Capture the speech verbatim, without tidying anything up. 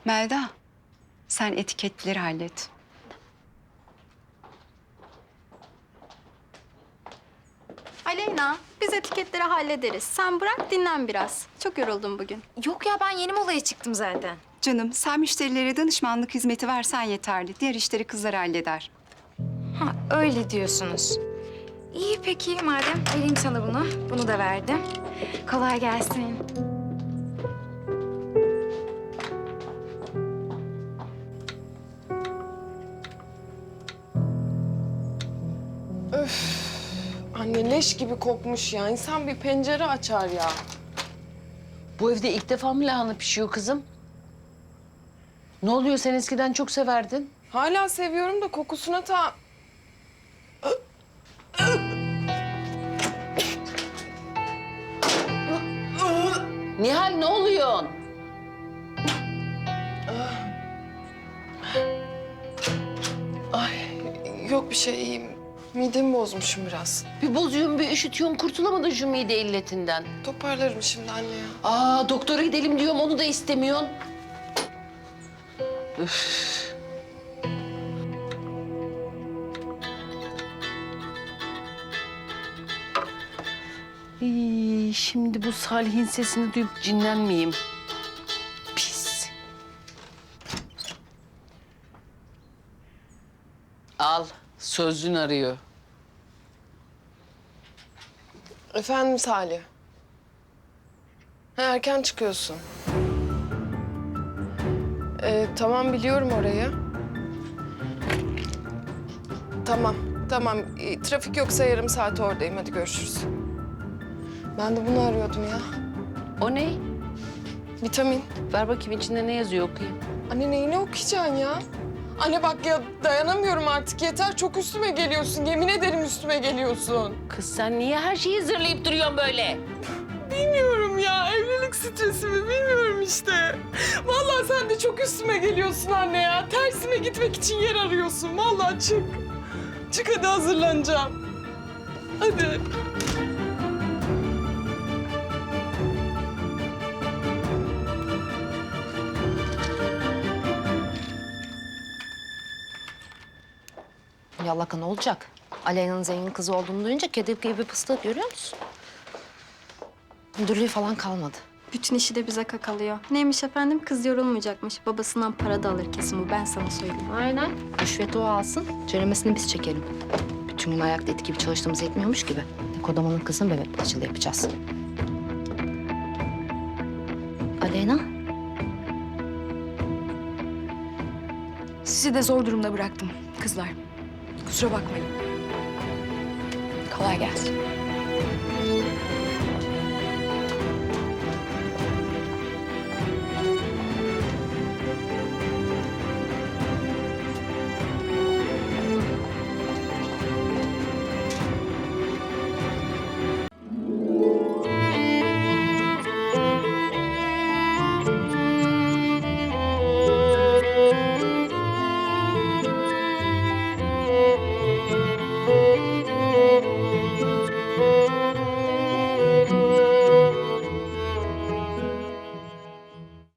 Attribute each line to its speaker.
Speaker 1: Melda, sen etiketleri hallet.
Speaker 2: Aleyna, biz etiketleri hallederiz. Sen bırak, dinlen biraz. Çok yoruldum bugün.
Speaker 3: Yok ya, ben yeni molaya çıktım zaten.
Speaker 1: Canım, sen müşterilere danışmanlık hizmeti versen yeterli. Diğer işleri kızlar halleder.
Speaker 3: Ha, öyle diyorsunuz. İyi peki madem. Vereyim sana bunu. Bunu da verdim. Kolay gelsin.
Speaker 4: Anne leş gibi kokmuş ya. İnsan bir pencere açar ya.
Speaker 5: Bu evde ilk defa mı lahana pişiyor kızım? Ne oluyor, sen eskiden çok severdin.
Speaker 4: Hala seviyorum da kokusuna ta...
Speaker 5: Nihal, ne oluyor?
Speaker 4: Ay yok bir şey, iyiyim. Midemi bozmuşum biraz.
Speaker 5: Bir bozuyorsun, bir üşütüyorsun, kurtulamadın şu mide illetinden.
Speaker 4: Toparlarım şimdi anne ya.
Speaker 5: Aa, doktora gidelim diyorum, onu da istemiyorsun. Üf. İyi, şimdi bu Salih'in sesini duyup cinlenmeyeyim. Pis. Al, sözlün arıyor.
Speaker 4: Efendim Salih. Ha, erken çıkıyorsun. Ee, tamam biliyorum orayı. Tamam, tamam. Ee, trafik yoksa yarım saat oradayım. Hadi görüşürüz. Ben de bunu arıyordum ya.
Speaker 5: O ne?
Speaker 4: Vitamin.
Speaker 5: Ver bakayım, içinde ne yazıyor, okuyayım.
Speaker 4: Anne neyini okuyacaksın ya? Anne bak ya dayanamıyorum artık yeter. Çok üstüme geliyorsun. Yemin ederim üstüme geliyorsun.
Speaker 5: Kız sen niye her şeyi zırlayıp duruyorsun böyle?
Speaker 4: Bilmiyorum ya. Evlilik stresi mi bilmiyorum işte. Vallahi sen de çok üstüme geliyorsun anne ya. Tersine gitmek için yer arıyorsun. Vallahi çık. Çık hadi hazırlanacağım. Hadi.
Speaker 6: Yallaka ne olacak? Aleyna'nın zengin kızı olduğunu duyunca kedi gibi pıstık, görüyor musun? Müdürlüğü falan kalmadı.
Speaker 2: Bütün işi de bize kakalıyor. Neymiş efendim? Kız yorulmayacakmış. Babasından para da alır kesin bu. Ben sana söyleyeyim.
Speaker 6: Aynen. Rüşveti o alsın, ceremesini biz çekelim. Bütün gün ayakta et gibi çalıştığımız yetmiyormuş gibi. Kodamanın kızını bebek parçalı yapacağız. Aleyna,
Speaker 3: Sizi de zor durumda bıraktım kızlar. Kusura bakmayın.
Speaker 6: kolay gelsin.